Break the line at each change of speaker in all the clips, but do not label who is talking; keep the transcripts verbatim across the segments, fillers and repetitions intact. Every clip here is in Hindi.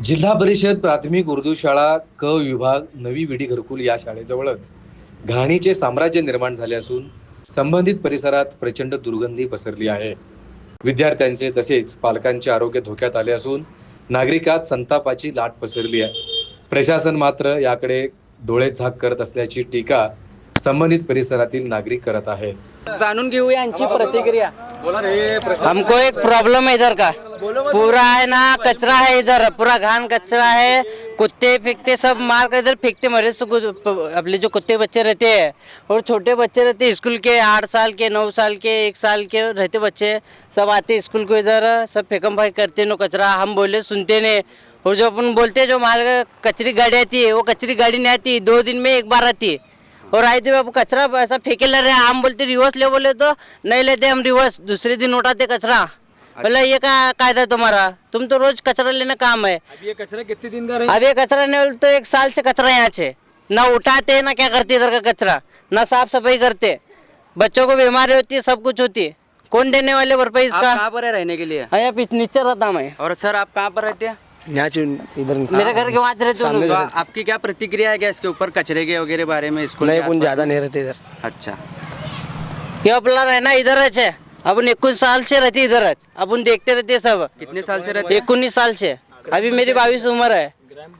जिल्हा परिषद प्राथमिक उर्दू शाळा क विभाग नवी विडी घरकुल या शाळेजवळच घाणीचे साम्राज्य निर्माण झाले असून संबंधित परिसरात प्रचंड दुर्गंधी पसरली आहे. विद्यार्थ्यांचे तसेच पालकांचे आरोग्य धोक्यात आले असून नागरिकात संतापाची लाट पसरली आहे. प्रशासन मात्र याकडे डोळेझाक करत असल्याची टीका संबंधित परिसरातील नागरिक करत आहेत.
जाणून घेऊया यांची प्रतिक्रिया.
हमको एक प्रॉब्लम है इधर का, पूरा है ना कचरा है, इधर पूरा घान कचरा है, कुत्ते फेंकते सब मार कर इधर फेंकते मरे सो अपने जो कुत्ते बच्चे रहते हैं और छोटे बच्चे रहते हैं स्कूल के, आठ साल के, नौ साल के, एक साल के रहते बच्चे सब आते स्कूल को, इधर सब फेंकम भाई करते नो कचरा. हम बोले सुनते नहीं, और जो अपन बोलते जो माल कचरी गाड़ी आती है वो कचरी गाड़ी नहीं आती, दो दिन में एक बार आती है. और आए थे कचरा ऐसा फेंके ले रहे, हम बोलते रिवर्स ले, बोले तो नहीं लेते हम रिवर्स, दूसरे दिन उठाते कचरा. बोला ये क्या कायदा तुम्हारा, तुम तो रोज कचरा लेने काम है.
अब ये कचरा कितने दिन का रहेगा?
अब ये कचरा नहीं बोले तो एक साल से कचरा यहाँ से ना उठाते ना क्या करते इधर का कचरा, ना साफ सफाई करते, बच्चों को बीमारी होती है, सब कुछ होती है. कौन देने वाले भरपाई
आप
इसका?
कहाँ पर है रहने के लिए?
हाँ, यहाँ पीछे नीचे रहता मैं.
और सर आप कहाँ पर रहते हैं?
यहाँ से इधर
मेरे घर के वहाँ रहते
सामने
हो.
तो आपकी क्या प्रतिक्रिया है क्या इसके ऊपर कचरे के वगैरह बारे में? स्कूल
नहीं
के
अपन
आसपास?
ज्यादा नहीं रहते इधर.
अच्छा.
ये अपना रहना इधर है, अपन इक्कीस साल से रहते इधर है, अपन देखते रहते सब.
कितने साल से रहते हैं?
इक्कीस साल से, अभी मेरी बाईस उम्र है.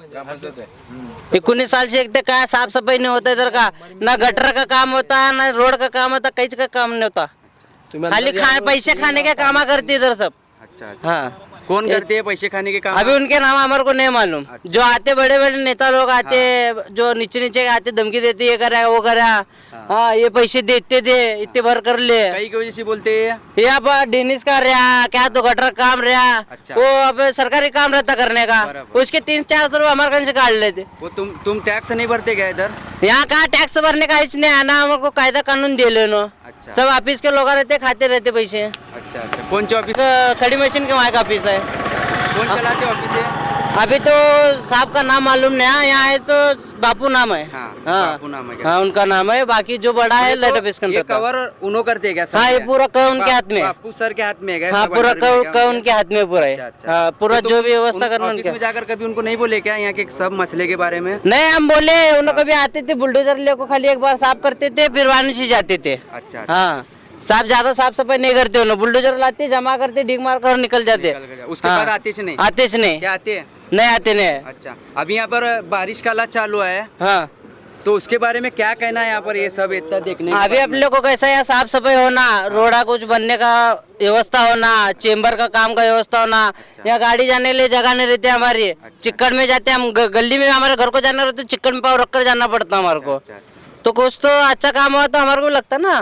इक्कीस साल से एक तो क्या साफ सफाई नहीं होता इधर का, ना गटर का काम होता है, ना रोड का काम होता, कहीं का काम नहीं होता.
तुम्हें
खाली खा पैसे खाने का काम करते इधर सब.
अच्छा अच्छा.
हाँ,
कौन करते हैं पैसे खाने के काम?
अभी उनके नाम हमारे को नहीं मालूम. जो आते बड़े बड़े नेता लोग आते, जो नीचे नीचे आते धमकी देते, ये करा वो करा, हाँ ये पैसे देते थे इतने भर कर ले.
कई की वजह से बोलते हैं?
यहाँ पर डेनिस का रहा क्या तो गटर काम रहा.
अच्छा.
वो अब सरकारी काम रहता करने का,
बराबर.
उसके तीन चार सौ रुपये हमारे घर से काट लेते.
वो तुम तुम टैक्स नहीं भरते क्या इधर?
यहाँ कहाँ टैक्स भरने का इसने आना, हमको कायदा कानून दे लेनो.
अच्छा.
सब ऑफिस के लोग रहते खाते रहते पैसे.
अच्छा अच्छा. कौन सी ऑफिस?
एक खड़ी मशीन के वहाँ का ऑफिस है.
कौन चलाते ऑफिस है?
अभी तो साहब का नाम मालूम नहीं है, यहाँ है तो बापू नाम है.
हाँ,
हाँ
बापू नाम है क्या?
हाँ उनका नाम है, बाकी जो बड़ा है लेट ऑफिस
ये
का.
कवर उन्हों करते हैं क्या सर?
हाँ, ये पूरा कवर उनके
बा-
हाथ में है.
बापू सर के हाथ में है क्या?
हाँ
सब
पूरा
अंडर में
कवर
क्या
कवर
उनके?
उनके हाथ में पूरा है.
अच्छा, अच्छा.
हाँ, पूरा
तो
जो
तुम
भी व्यवस्था
उन
करना
ऑफिस
उनके.
में जाकर कभी उनको नहीं बोले क्या यहाँ के सब मसले के बारे में?
नहीं हम बोले, उन्होंने कभी आते थे बुलडोजर लेको, खाली एक बार साफ करते थे फिर वानी से जाते थे.
अच्छा अच्छा.
हाँ, साफ ज्यादा साफ सफाई नहीं करते उन्होंने, बुलडोजर लाते जमा करते डिग मार कर निकल जाते.
निकल गया. उसके
हाँ.
बाद आते से नहीं?
आते से नहीं,
क्या आते हैं?
नहीं आते नहीं.
अच्छा. अभी यहाँ पर बारिश का हालात चालू है,
हाँ,
तो उसके बारे में क्या कहना है यहाँ पर? ये सब इतना देखने के
अभी
बाद
अपने को कैसा है साफ सफाई होना, रोड़ा कुछ बनने का व्यवस्था होना, चेम्बर का काम का व्यवस्था होना. यहाँ गाड़ी जाने के लिए जगह नहीं रहती हमारी, चिक्कड़ में जाते हम, ग- गली में हमारे घर को जाना रहता तो चिक्कड़ में पाव रख कर जाना पड़ता हमारे को.
अच्छा, अच्छा.
तो कुछ तो अच्छा काम हुआ तो हमारे को लगता ना.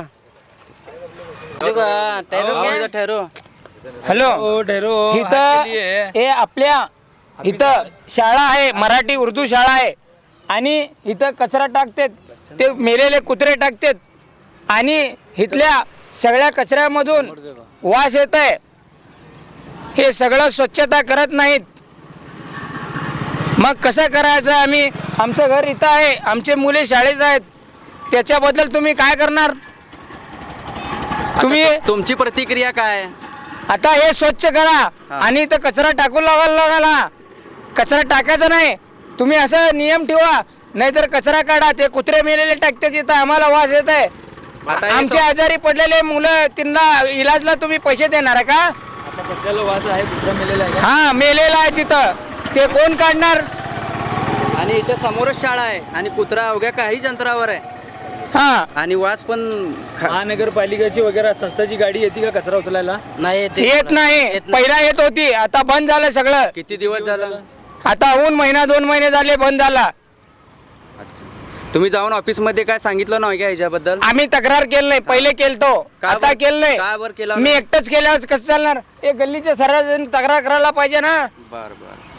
जो का- ठहरो क्या?
इधर ठहरो.
हॅलो इथं हे आपल्या इथं शाळा आहे, मराठी उर्दू शाळा आहे, आणि इथं कचरा टाकतात, ते मेलेले कुत्रे टाकतात, आणि इथल्या सगळ्या कचऱ्यामधून वास येत आहे. हे सगळं स्वच्छता करत नाहीत. मग कसं करायचं? आम्ही आमचं घर इथं आहे, आमचे मुले शाळेत आहेत, त्याच्याबद्दल तुम्ही काय करणार? तुम्ही
तुमची प्रतिक्रिया काय आहे?
आता हे स्वच्छ करा आणि इथं कचरा टाकून लावायला लागाला. कचरा टाकायचा नाही, तुम्ही असं नियम ठेवा, नाहीतर कचरा काढा. ते कुत्रे मेलेले टाकतात इथं, आम्हाला वास येत आहे.
आता हे
आमचे आजारी पडलेले मुलं, त्यांना इलाजला तुम्ही पैसे देणार आहे का? हा, मेलेला आहे तिथं, ते कोण काढणार?
आणि इथे समोरच शाळा आहे आणि कुत्रा अवघ्या काहीच अंतरावर आहे,
हा,
आणि वास पण ख-
महानगरपालिकेची वगैरे संस्थाची गाडी येते का कचरा उचलायला?
नाही येते.
येत नाही. पहिला येत होती, आता बंद झालं सगळं.
किती दिवस झाला?
आता होऊन महिना दोन महिने झाले बंद झाला.
तुम्ही जाऊन ऑफिस मध्ये काय सांगितलं नाही का ह्याच्याबद्दल?
आम्ही तक्रार केलं नाही, पहिले केलतो,
का
आता
बर-
केलं
का बर केलं
नाही. मी एकटंच केल्यावर कसं चालणार? हे गल्लीचे सर्वजण तक्रार करायला पाहिजे ना.
बर बर.